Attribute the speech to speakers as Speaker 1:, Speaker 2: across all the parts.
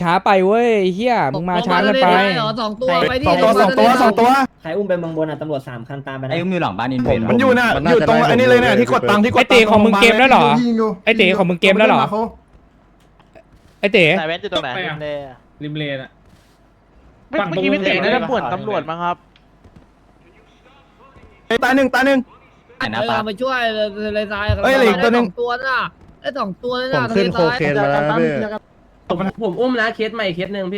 Speaker 1: ช้าไปเว้ยเฮียมึงมาช้าเกินไป
Speaker 2: สองตัวไปดิ
Speaker 3: สองตัว
Speaker 4: ใครอุ้มไปเมืองบนอ่ะตำรวจ3 คันตามไปนะ
Speaker 5: ไอ้อุ้มอยู่หลังบ้านอินเว
Speaker 3: มันอยู่น่ะอยู่ตรงอันนี้เลยเนี่ยที่กดตังค์ที่ก
Speaker 1: ไอ
Speaker 3: ด
Speaker 1: เต๋ของมึงเกมแล้วเหรอไอเต๋ของมึงเกมแล้วเหรอไอเต๋
Speaker 6: ไหนเว้นอยู่ตรงไหนริมเลน
Speaker 2: ริมเลนอ่ะ
Speaker 6: เมื่อกี้พี่เต๋น่าจะป่วนตำรวจมั้งครับ
Speaker 3: ตายหนึ่ง
Speaker 5: ไหนนะปะ
Speaker 2: ไปช่วยเลยซ้าย
Speaker 3: เอ้ยเหลืออีกตัวหนึ่ง
Speaker 2: ตัวน่ะได้2 ตัวเลย
Speaker 7: ผ
Speaker 2: นะ
Speaker 7: มขึ้นโคเคนมาแล้วนะพี่
Speaker 6: ผมอุ้มนะเคสใหม่เคสหนึ่งพี่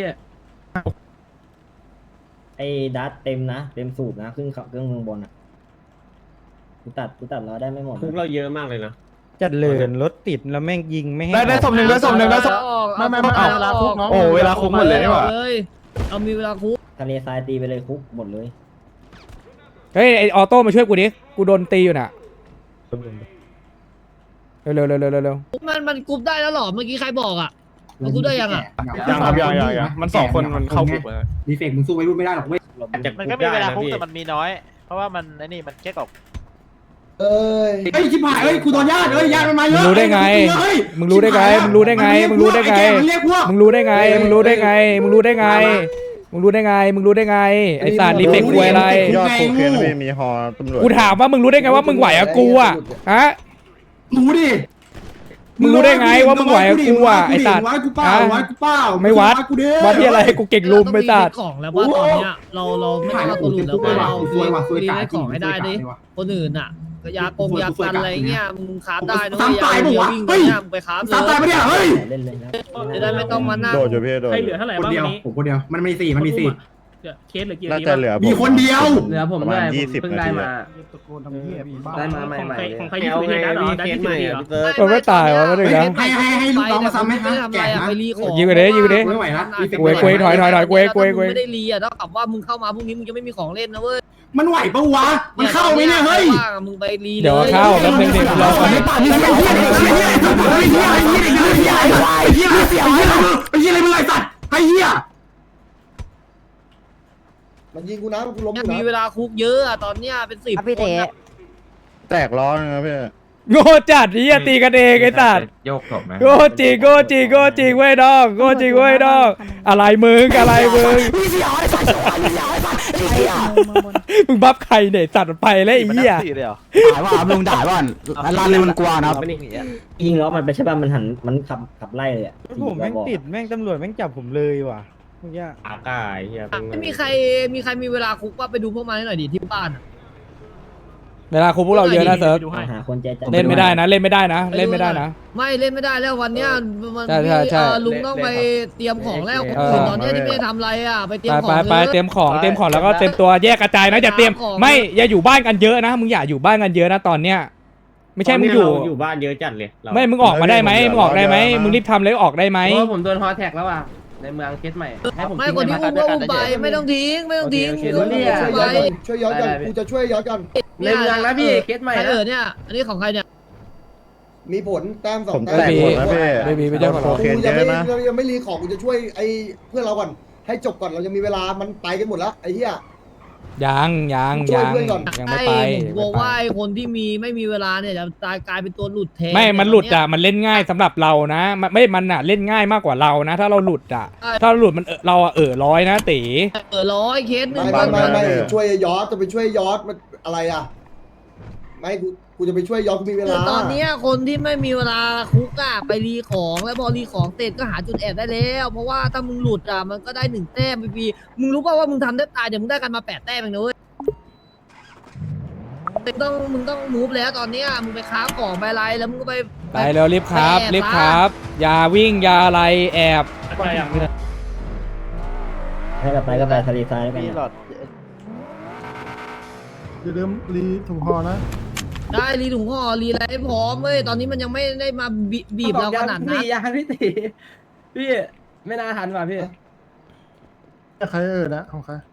Speaker 4: ไอ้ดัตเต็มนะเต็มสูบนะขึ้นขับเครื่องเมืองบนอ่ะกูตัดเราได้ไม่หมด
Speaker 6: คุกเราเยอะมากเลยนะ
Speaker 7: จัดเลยรถติดแล้วแม่งยิงไม่ให้
Speaker 3: ได้ศพหนึ่งได้ศพหนึ่งได้ศพ ไม่เอาเวลาคุกน้องโอ้เวลาคุกหมดเลยนี่หว่า
Speaker 2: เอามีเวลาคุก
Speaker 4: ทะเลทรายตีไปเลยคุกหมดเลย
Speaker 1: เฮ้ยไอออโต้มาช่วยกูดิกูโดนตีอยู่น่ะเร็ว
Speaker 2: มันกรุ๊ปได้แล้วหรอเมื่อกี้ใครบอกอ่ะมันกรุ๊ปได้ยังอ่ะ
Speaker 3: ยังครับยังมัน2 คนมันเข้าคุกเลย
Speaker 8: ดีเฟกมึงสู้ไม่รู้ไม่ได้หรอกเว้ย
Speaker 6: มันก็มีเวลาคุกแต่มันมีน้อย เพราะว่ามันไอ้นี่มันแค่กอก
Speaker 8: เฮ้ยชิบหายเฮ้ยกูโดนญาติญาติมันมาเย
Speaker 1: มึง
Speaker 8: อะ
Speaker 1: รู้ได้ไงมึงรู้ได้ไงมึงรู้ได้ไงมึงรู้ได้ไง
Speaker 8: เรียกพวก
Speaker 1: มึงรู้ได้ไงมึงรู้ได้ไงมึงรู้ได้ไงมึงรู้ได้ไงมึงรู้ได้ไงไอสัตว์รีเฟกกูอะไร
Speaker 7: ยอดโคเคนพี่มีฮอตำรวจ
Speaker 1: กูถามว่ามึงรู้ได้ไงว่ามึงไหวกับกูอ่ะฮะ
Speaker 8: รู้ดิ
Speaker 1: มึงรู้ได้ไงว่ามึงไหวกับกูอ่ะไอสัตว์
Speaker 8: วัดกูเปล่าวัดกูเปล่า
Speaker 1: ไม่วัดวัดที่อะไรกูเก่งลุมไอสัตว์
Speaker 2: ของแล้วว่าตอนเนี้ยเราไม่ต้องเอาตัวหลุดแล้วว่าเรารีได้ของให้ได้ดิคนอื่นอ่ะยากันอะไรเงี้ยมึงคราฟได้นะยาวิ่งเนี่ยมึงไปคราฟเลย
Speaker 8: ตามตายไปเนี่ยเฮ้ย
Speaker 4: เล่นเลยนะ
Speaker 2: จะได้ไม่ต้องมานั่ง
Speaker 7: โดดอยู่พี่โดด
Speaker 6: ใครเหลือเท่าไหร่
Speaker 8: คน
Speaker 6: บ้าง
Speaker 8: เดียว
Speaker 6: วันนี้
Speaker 8: ผมคนเดียวมันมี4มันมี4
Speaker 6: เคสเหลือกี่
Speaker 7: น่าจะเหลือ
Speaker 8: มีคนเดียว
Speaker 6: เหลือผม
Speaker 7: ประมา
Speaker 6: ด้ว
Speaker 7: ณ
Speaker 6: ย
Speaker 7: 20
Speaker 6: เพิ่ง
Speaker 7: นา
Speaker 6: ได้
Speaker 7: ที
Speaker 6: มาได้มาใหม่ๆของใครที่คุยได้หรอได้ที่คุยเหรอ
Speaker 1: มันไม่ตายวะไม่ได้นะ
Speaker 8: ให้ลูกน้องมาซ้ำไหมฮะ
Speaker 2: ไม่ทำอะไร
Speaker 8: แก่
Speaker 2: อ่ะ
Speaker 8: นะ
Speaker 2: ไปรีของ
Speaker 1: ยิงไปดิยิงไปดิ
Speaker 8: ไม่ไหวนะ
Speaker 1: เว้ยถอยเว้ย
Speaker 2: ไม่ได้รีอ่ะเท่ากับว่ามึงเข้ามาพรุ่งนี้มึงจะไม่มีของเล่นนะเว้ย
Speaker 8: มันไหวปะวะมันเข้าไหมเนี่ยเฮ้ย
Speaker 2: มึงไปรี
Speaker 1: เดี๋ยวเข้าแล้วเพลงเด็กรอก่อน
Speaker 8: ไอ้ป่านนี่ไอ้เหี้ยไอ้เหี้ยไอ้เหี้ยไอ้เหี้ยไอ้เหี้ยไอ้เหี้ยไอ้เหี้ยไอ้เหี้ยไอ้เหี้ยอะไรมึงไอ้สัตว์ไอ้เหี้ยมันยิงกูนะกูล้ม
Speaker 2: มีเวลาคุกเยอะอ่ะตอนเนี้ยเป็น10
Speaker 9: พี่เต๋
Speaker 7: แตกล้อนะพี่
Speaker 1: โง่จัดนี่ตีกันเองไอ้สัตว์
Speaker 5: โยกศพไหม
Speaker 1: โง่จริงเว้ยน้องโง่จริงเว้ยน้องอะไรมึงมึงบัฟใครเนี่ยสัตว์ไปแล้วไอ้เหี้ย
Speaker 5: ด่าว่าลุงด่าว่าร้านเลยมันกลัวนะครับ
Speaker 4: ยิงล้อมันไปใช่ป่ะมันหันมันขับไล่เลยอ่ะ
Speaker 7: ผมแม่งติดแม่งตำรวจแม่งจับผมเลยว่ะเมื่อกี้
Speaker 6: อากาศเฮีย
Speaker 2: ไม่มีใครมีเวลาคุกว่าไปดูพวกมันให้หน่อยดิที่บ้าน
Speaker 1: เวลาคุกพวกเราเยอะนะเซิร์ฟ
Speaker 4: หาคนใจจัด
Speaker 1: เล่นไม่ได้นะเล่นไม่ได้นะ
Speaker 2: ไม่เล่นไม่ได้แล้ววันเนี้ยมัน
Speaker 1: ใช่
Speaker 2: ลุงต้องไปเตรียมของแล้วคนอื่นตอนเนี้ยที่ไม่ได้ทำอะไรอ่ะไปเตรียมของ
Speaker 1: ไปเตรียมของแล้วก็เตรียมตัวแยกกระจายนะอย่าเตรียมไม่อย่าอยู่บ้านกันเยอะนะมึงอย่าอยู่บ้านกันเยอะนะตอนเนี้ยไม่ใช่มึงอยู่
Speaker 6: บ้านเยอะจัดเลย
Speaker 1: ไม่มึงออกมาได้ไหมมึงออกได้ไหมมึงรีบทำเลยออกได้ไหม
Speaker 6: เพราะผมโดนฮอแท็กแล้วอ่ะในเมืองเคสใหม่ให้ผม
Speaker 2: ไม่คนที่อุ้มก็อุ้มไปไม่ต้องทิ้งไป
Speaker 8: ช่วยย้อนกันกูจะช่วยย้อนกัน
Speaker 6: ในเมืองนะพี่เคสใหม่
Speaker 2: ใคร
Speaker 6: นะ
Speaker 2: เนี่ยอันนี้ของใครเนี่ย
Speaker 8: มีผลแต้ม
Speaker 7: ผม
Speaker 8: 2 แต้
Speaker 7: แต
Speaker 8: ม
Speaker 7: กหมดนะพี่
Speaker 1: ไม่ใช่
Speaker 7: โคเคนเยอะนะ
Speaker 8: ยังไม่รีของกูจะช่วยไอ้เพื่อนเราก่อนให้จบก่อนเรายังมีเวลามันไปกันหมดแล้วไอ้เหี้ย
Speaker 1: ยังไม่ไป
Speaker 2: ผมกลัวว่าคนที่ไม่มีเวลาเนี่ยจะกลายเป็นตัวหลุดแทน
Speaker 1: ไม่มันหลุดอ่ะมันเล่นง่ายสำหรับเรานะมันอ่ะเล่นง่ายมากกว่าเรานะ ถ้าเราหลุดอ่ะถ้าเราหลุดมันเราร้อยนะตี
Speaker 2: ร้อยเคสหนึ่ง
Speaker 8: ไม่ช่วยย้อนจะไปช่วยย้อนมันอะไรอ่ะไม่กูจะไปช่วยย้อนกูมีเวลา
Speaker 2: ตอนนี้คนที่ไม่มีเวลาคุกอ่ะไปรีของแล้วพอรีของเสร็จก็หาจุดแอบได้แล้วเพราะว่าถ้ามึงหลุดอ่ะมันก็ได้1 แต้มพี่มึงรู้ป่าวว่ามึงทำได้ตายเดี๋ยวมึงได้กันมา8 แต้มเองนะเว้ยมึงต้องมูฟแล้วตอนเนี้ยมึงไปค้าของไปอะไรแล้วมึงก็ไป
Speaker 1: เร็วรีบครับอย่าวิ่งอย่าอะไรแอบ
Speaker 4: ให้กับไปก็ไปทะเลทรายแล้วกัน
Speaker 7: อย่าลืมรีถุงฮอนะ
Speaker 2: ได้รีถุงห่อรีอะไรให้พร้อมเว้ยตอนนี้มันยังไม่ได้มาบีบเราขนาดนั้น
Speaker 6: ยาพี่ตีพี่ไม่น่าทันว่ะพี่
Speaker 7: ใครนะของใคร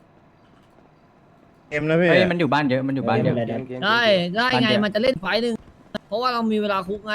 Speaker 7: เกมนะพี่
Speaker 5: เฮ้ยมันอยู่บ้านเยอะมันอยู่บ้านเยอะ
Speaker 2: ได้ไงมันจะเล่นไฟหนึ่งเพราะว่าเรามีเวลาคุกไง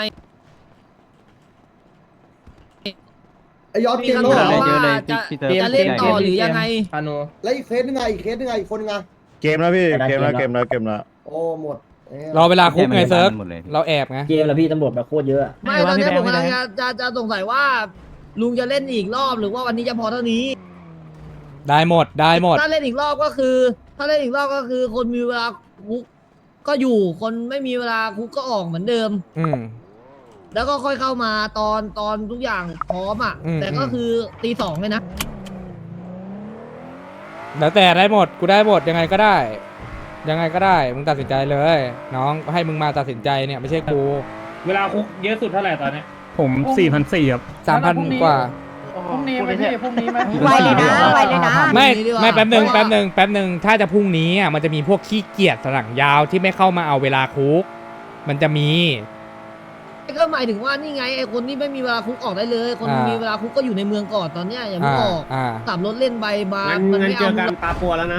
Speaker 8: ไอ้ย้อน
Speaker 2: มี
Speaker 8: เกม
Speaker 2: คำ
Speaker 8: แล้ว
Speaker 2: ถาม
Speaker 8: เหรอ
Speaker 2: ว่าจะเล่นต่อหรือยังไง
Speaker 6: พานุ
Speaker 8: แล้วอีกเคสนึงไงอีกคนนึงไง
Speaker 7: เกมแล้วพี่เกมแล้ว
Speaker 8: โอ้หมด
Speaker 1: รอเวลาคุกไงเซิร์ฟเราแอบไง
Speaker 4: เกมแล้วพี่ตำรวจแบบโคตรเยอะ
Speaker 2: ไม่ตอนนี้ผมกำลังจะสงสัยว่าลุงจะเล่นอีกรอบหรือว่าวันนี้จะพอเท่านี้
Speaker 1: ได้หมดได้หมด
Speaker 2: ถ้าเล่นอีกรอบก็คือ คนมีเวลาคุกก็อยู่คนไม่มีเวลาคุกก็ออกเหมือนเดิม
Speaker 1: อืม
Speaker 2: แล้วก็ค่อยเข้ามาตอนทุกอย่างพร้อมอ่ะ
Speaker 1: อืม
Speaker 2: แต่ก็คือตี 2เลยนะ
Speaker 1: แล้วแต่ได้หมดกูได้หมดยังไงก็ได้ ยังไงก็ได้มึงตัดสินใจเลย น้องให้มึงมาตัดสินใจเนี่ยไม่ใช่กู
Speaker 6: เวลาคุกเยอะสุดเท่าไหร่ตอนนี้
Speaker 3: ผม4,400ครับ
Speaker 1: 3,000 กว่า
Speaker 3: พรุ่งนี้ไหมพี่พรุ่งนี้ไหม
Speaker 9: ไวเลยนะไวเลยนะ
Speaker 1: ไม่
Speaker 2: พรุ่งนี้ดีกว่า
Speaker 1: ไม่แป๊บหนึ่ง
Speaker 2: เพราะว่า
Speaker 1: แป๊บหนึ่งถ้าจะพรุ่งนี้อ่ะมันจะมีพวกขี้เกียจสลังยาวที่ไม่เข้ามาเอาเวลาคุก มันจะมี
Speaker 2: ก็หมายถึงว่านี่ไงไอ้คนที่ไม่มีเวลาคุกออกได้เลย คนมีเวลาคุกก็อยู่ในเมืองก่อนตอนเนี้ยอย่าเพิ่งออก ขับรถเล่นใบมา
Speaker 6: งั้น
Speaker 2: ไม่
Speaker 6: เจ
Speaker 2: เอา
Speaker 6: อกันปลาปัวแล้วนะ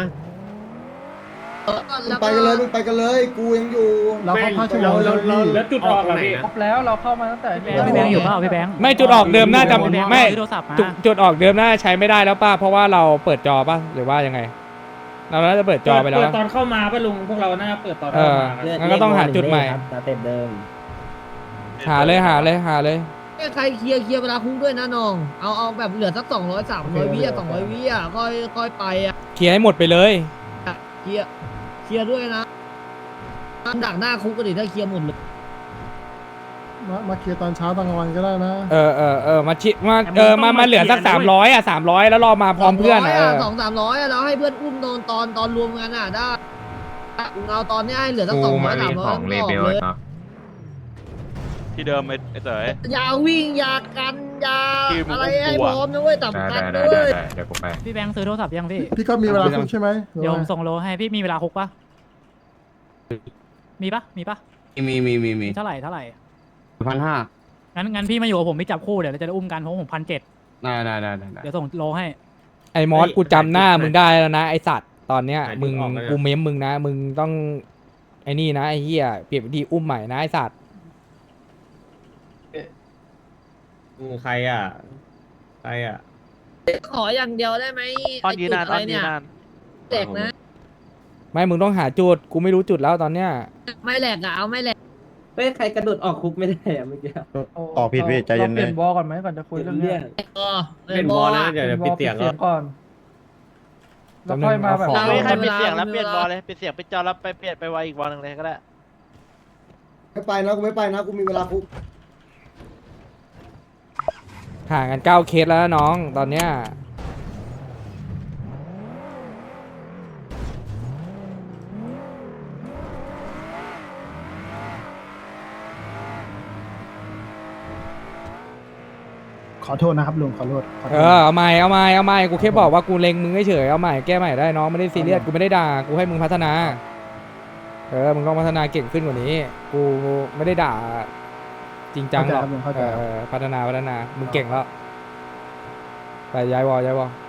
Speaker 2: แล้ว
Speaker 10: ไปกันเลยมึงไปกันเลยกูยังอยู่
Speaker 7: เราเข้าพาชั่วโมง
Speaker 6: แล้วจุดออกอะพี่
Speaker 3: ครบแล้วเราเข้ามาตั้งแต่
Speaker 9: พี่แบงค์อยู่เปล่าพี่แบงค์
Speaker 1: ไม่จุดออกเดิมน่าจะไม่
Speaker 9: ซื้อโทรศัพท์มา
Speaker 1: จุดออกเดิมน่าจะใช้ไม่ได้แล้วป่ะเพราะว่าเราเปิดจอป่ะหรือว่ายังไง เราน่าจะเปิดจอไปแล้ว
Speaker 6: เปิดตอนเข้ามาป่ะลุงพวกเราน่าจะเปิดตอน
Speaker 1: เอ
Speaker 6: เข้า
Speaker 1: อ
Speaker 6: มา
Speaker 1: งั้นก็ต้องหาจุดใหม่
Speaker 4: ครับสเต็ปเดิม
Speaker 1: หาเลย
Speaker 2: ใครเคลียร์เวลาคุกด้วยนะน้องเอาแบบเหลือสัก200 300วิอ่ะ200วิอ่ะค่อยไปอ่ะ
Speaker 1: เคลียร์ให้หมดไปเลย
Speaker 2: เคลียร์ด้วยนะดักหน้าคุกก็ดิถ้าเคลียร์หมดเลย
Speaker 7: มาเคลียร์ตอนเช้าตอนกลางวันก็ได้นะ
Speaker 1: มาชิมาเหลือสัก300อ่ะ300แล้วรอมาพร้อมเพื่อน
Speaker 2: 200-300อ่ะแล้วให้เพื่อนอุ้มโดนตอนรวมกันอ่ะได้เอาตอนนี้ให้เหลือสัก200-300ออกเลย
Speaker 11: ที่เดิมไอ้เต๋อ
Speaker 2: อย่าวิ่งอย่ากันอย่าอะไรให้พร้อมนะเว้ยสำคัญด้วย
Speaker 11: เดี๋ยวกูไป
Speaker 9: พี่แบงค์ซื้อโทรศัพท์ยังพี่
Speaker 7: พี่ก็มีเวลาคุกใช่ไหมหรือ
Speaker 9: เดี๋ยว
Speaker 7: ว่า
Speaker 9: ผมส่งโลให้พี่มีเวลาคุกปะมีปะมี เท่าไหร่งั้นพี่มาอยู่กับผมพี่จับคู่เดี๋ยวเราจะได้อุ้มกันเพราะผม1,700เดี๋ยวส่งโลให้
Speaker 1: ไอ้มอสกูจำหน้ามึงได้แล้วนะไอ้สัตว์ตอนเนี้ยมึงกูเม้มมึงนะมึงต้องไอ้นี่นะไอ้เหี้ยเปลี่ยนวิธีอุ้มใหม่นะไอ้สัตว์
Speaker 6: ใครอ่ะ
Speaker 2: ขออย่างเดียวได้ไหม
Speaker 11: อ้อนยืนนาน
Speaker 2: อะไรเนี่ยแตกนะ
Speaker 1: ไม่มึงต้องหาจุดกูไม่รู้จุดแล้วตอนเนี้ย
Speaker 2: ไม่แหลกอ่ะเอาไม่แหลก
Speaker 4: เฮ้ยใครกระโดดออกคุกไม่ได้อะเมื่อกี้
Speaker 7: ต่อผิดพี่ใจเย็น
Speaker 3: เป
Speaker 7: เล
Speaker 3: ลี่ย
Speaker 7: ย
Speaker 3: นบอลก่อนไหมก่อนจะคุยเรื่องเนี้ย
Speaker 6: เป็นบอลนะเดี๋ยวปิดเสียง
Speaker 3: เสียงก่อนแล้วค่อยมาแบบ
Speaker 2: เราให้ปิดเสียงแล้ว
Speaker 11: เปลี่ยนบอลเลยเปลี่ยนเสียงเป็นจอแล้วไปเปลี่ยนไปไวอีกบอลหนึ่งเลยก็ได้
Speaker 10: ไม่ไปนะกูไม่ไปนะกูมีเวลาคุก
Speaker 1: ห่างกัน9 เคสแล้วนะน้องตอนเนี้ย
Speaker 7: ขอโทษนะครับลุงขอโทษ
Speaker 1: เอาใหม่กูแค่บอกว่ากูเล็งมึงเฉยเอาใหม่แก้ใหม่ได้น้องไม่ได้ซีเรียสกูไม่ได้ด่ากูให้มึงพัฒนามึงต้องพัฒนาเก่งขึ้นกว่านี้กูไม่ได้ด่าจริงจังหรอกพัฒนามึงเก่งแล้วไปย้ายวอ